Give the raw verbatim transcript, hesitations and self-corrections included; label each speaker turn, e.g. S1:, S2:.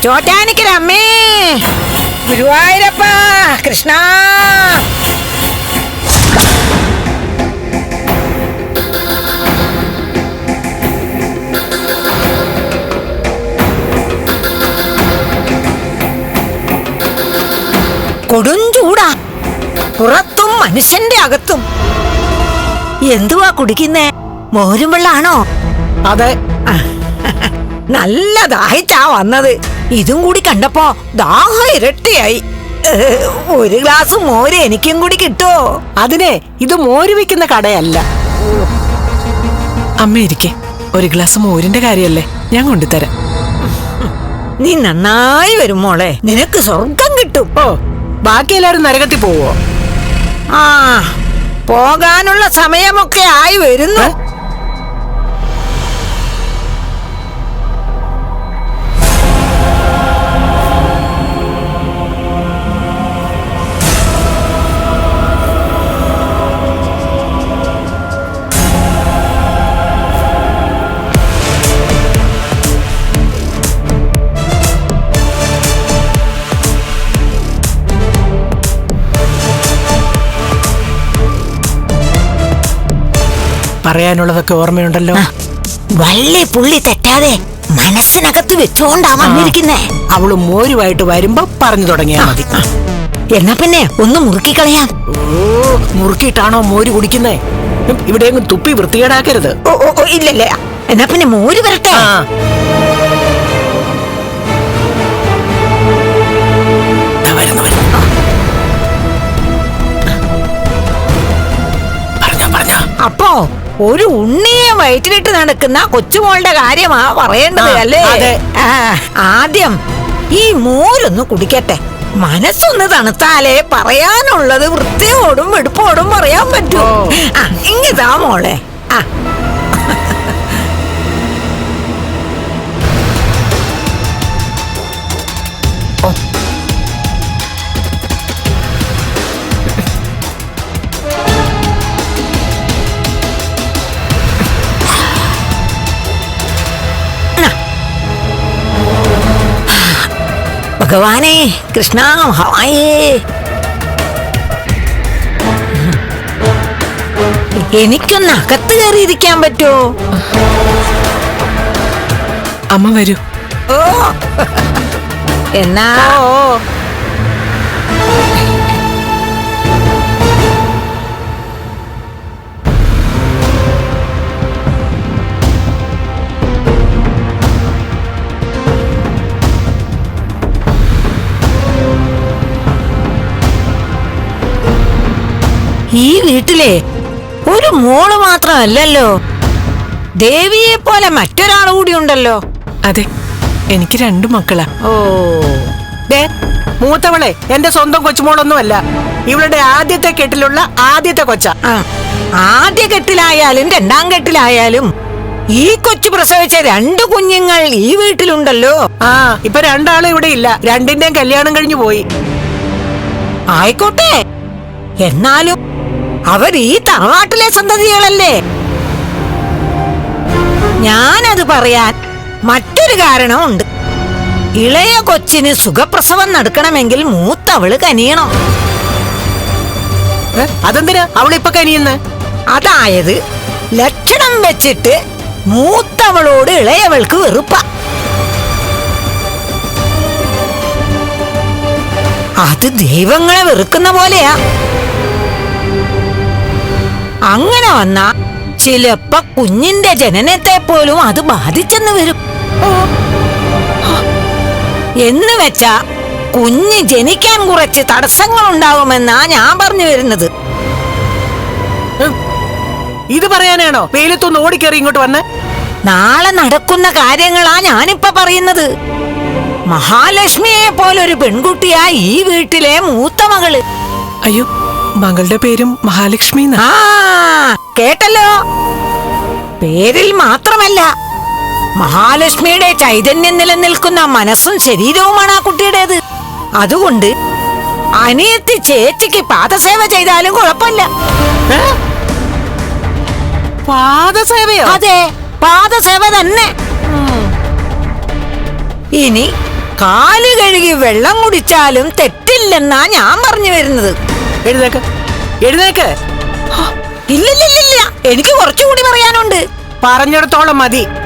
S1: ചോറ്റാനിക്കരമ്മേ, ഗുരുവായൂരപ്പ കൃഷ്ണ. കൊടുംചൂടാ, പുറത്തും മനുഷ്യന്റെ അകത്തും. എന്തുവാ കുടിക്കുന്നേ? മോരും വെള്ളാണോ?
S2: അതെ.
S1: നല്ല ദാഹിച്ചാ വന്നത്. ഇതും കൂടി കണ്ടപ്പോ ദാഹം ഇരട്ടിയായി. ഒരു ഗ്ലാസ് മോര് എനിക്കും കൂടി കിട്ടുമോ?
S2: അതിനെ ഇത് മോര് വിൽക്കുന്ന കടയല്ല. അമ്മ ഇരിക്കെ, ഒരു ഗ്ലാസ് മോരിന്റെ കാര്യല്ലേ, ഞാൻ കൊണ്ടുതരാം.
S1: നീ നന്നായി വരും മോളെ, നിനക്ക് സ്വർഗം കിട്ടും.
S2: ഓ, ബാക്കി എല്ലാരും നരകത്തിൽ പോവോ?
S1: ആ, പോകാനുള്ള സമയമൊക്കെ ആയി വരുന്നു.
S2: പറയാനുള്ളതൊക്കെ ഓർമ്മയുണ്ടല്ലോ.
S1: വള്ളി പുള്ളി തെറ്റാതെ മനസ്സിനകത്ത് വെച്ചുകൊണ്ടാ വന്നിരിക്കുന്നേ.
S2: അവള് മോരുമായിട്ട് വരുമ്പോ പറഞ്ഞു തുടങ്ങിയാ മതി.
S1: എന്നാ പിന്നെ ഒന്ന് മുറുക്കിക്കളയാം.
S2: ഓ, മുറുക്കിയിട്ടാണോ മോര് കുടിക്കുന്നേ? ഇവിടെയെങ്കിലും തുപ്പി വൃത്തികേടാക്കരുത്.
S1: ഓ ഓ ഇല്ലല്ലേ, എന്നാ പിന്നെ മോര് വരട്ടെ. അപ്പോ ഒരു ഉണ്ണിയെ വയറ്റിലിട്ട് നടക്കുന്ന കൊച്ചുമോളുടെ കാര്യമാ പറയേണ്ടത് അല്ലേ? ആദ്യം ഈ മോരൊന്ന് കുടിക്കട്ടെ. മനസ്സൊന്ന് തണുത്താലേ പറയാനുള്ളത് വൃത്തിയോടും വെടുപ്പോടും പറയാൻ പറ്റൂ. ആ, ഇങ്ങതാ മോളെ. ആ, ഭഗവാനേ കൃഷ്ണ മഹായേ, എനിക്കൊന്ന് അകത്ത് കയറിയിരിക്കാൻ പറ്റുമോ?
S2: അമ്മ വരൂ.
S1: ഓ, എന്നാ ഈ വീട്ടിലെ ഒരു മോള് മാത്രമല്ലല്ലോ, ദേവിയെ പോലെ മറ്റൊരാൾ കൂടി ഉണ്ടല്ലോ.
S2: അതെ, എനിക്ക് രണ്ടു മക്കളാ.
S1: ഓ,
S2: മൂത്തവളെ എന്റെ സ്വന്തം കൊച്ചുമോളൊന്നും അല്ല, ഇവളുടെ ആദ്യത്തെ കെട്ടിലുള്ള ആദ്യത്തെ കൊച്ച.
S1: ആദ്യ കെട്ടിലായാലും രണ്ടാം കെട്ടിലായാലും ഈ കൊച്ചു പ്രസവിച്ച രണ്ടു കുഞ്ഞുങ്ങൾ ഈ വീട്ടിലുണ്ടല്ലോ.
S2: ആ, ഇപ്പൊ രണ്ടാളും ഇവിടെ ഇല്ല, രണ്ടിന്റെയും കല്യാണം കഴിഞ്ഞു പോയി.
S1: ആയിക്കോട്ടെ, എന്നാലും അവർ ഈ തറവാട്ടിലെ സന്തതികളല്ലേ. ഞാനത് പറയാൻ മറ്റൊരു കാരണമുണ്ട്. ഇളയ കൊച്ചിന് സുഖപ്രസവം നടക്കണമെങ്കിൽ മൂത്തവള് കനിയണം.
S2: അതെന്തിനാ അവളിപ്പൊ കനിയുന്ന്?
S1: അതായത് ലക്ഷണം വെച്ചിട്ട് മൂത്തവളോട് ഇളയവൾക്ക് വെറുപ്പ. അത് ദൈവങ്ങളെ വെറുക്കുന്ന പോലെയാ. അങ്ങനെ വന്ന ചിലപ്പോ കുഞ്ഞിന്റെ ജനനത്തെ പോലും അത് ബാധിച്ചെന്ന് വരും. എന്ന് വെച്ചാ കുഞ്ഞ് ജനിക്കാൻ കുറച്ച് തടസ്സങ്ങൾ ഉണ്ടാവുമെന്നാ ഞാൻ പറഞ്ഞു വരുന്നത്.
S2: ഇത് പറയാനാണോ വെയിലത്തൊന്ന് ഓടിക്കേറി ഇങ്ങോട്ട് വന്ന്?
S1: നാളെ നടക്കുന്ന കാര്യങ്ങളാ ഞാനിപ്പ പറയുന്നത്. മഹാലക്ഷ്മിയെ പോലൊരു പെൺകുട്ടിയാ ഈ വീട്ടിലെ മൂത്ത മകള്.
S2: അയ്യോ, മകളുടെ പേരും മഹാലക്ഷ്മി.
S1: ആ, കേട്ടല്ലോ. പേരിൽ മാത്രമല്ല, മഹാലക്ഷ്മിയുടെ ചൈതന്യം നിലനിൽക്കുന്ന മനസ്സും ശരീരവുമാണ് ആ കുട്ടിയുടേത്. അതുകൊണ്ട് അനിയത്തി ചേച്ചിക്ക് പാദസേവ ചെയ്താലും കുഴപ്പമില്ല.
S2: പാദസേവയോ?
S1: അതെ, പാദസേവ തന്നെ. ഇനി കാല് കഴുകി വെള്ളം കുടിച്ചാലും തെറ്റില്ലെന്നാ ഞാൻ പറഞ്ഞു വരുന്നത്.
S2: എഴുന്നേക്ക്, എഴുന്നേക്ക്.
S1: ഇല്ലില്ലില്ല, എനിക്ക് കുറച്ചുകൂടി പറയാനുണ്ട്.
S2: പറഞ്ഞിടത്തോളം മതി.